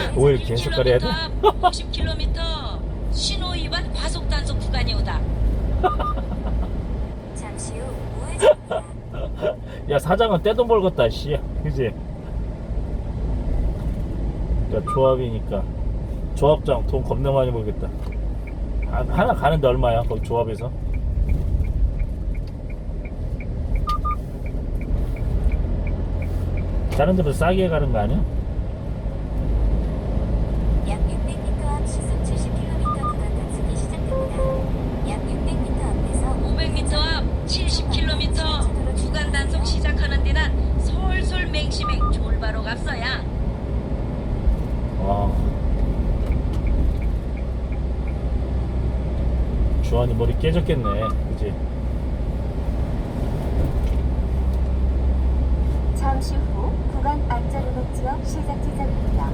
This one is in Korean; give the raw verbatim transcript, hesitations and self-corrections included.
오일 계속 가려야 돼? 오십 킬로미터 신호 위반 과속 단속 구간이 오다. 잠시 후 우회전입니다. 야, 사장은 떼돈 벌겠다, 씨. 그지? 야, 조합이니까. 조합장 돈 겁나 많이 벌겠다. 아, 하나 가는데 얼마야? 거기 조합에서? 다른 데보다 싸게 가는 거 아니야? 약 육백 미터 앞 시속 칠십 킬로미터 구간 단속이 시작됩니다. 약 육백 미터 앞에서 오백 미터 앞 칠십 킬로미터 구간 단속 시작하는 데는 솔솔 맹시맹 졸바로 갔어야. 와. 주환이 머리 깨졌겠네. 그지? 잠시 후 구간 안전운행 지역 시작 지점입니다.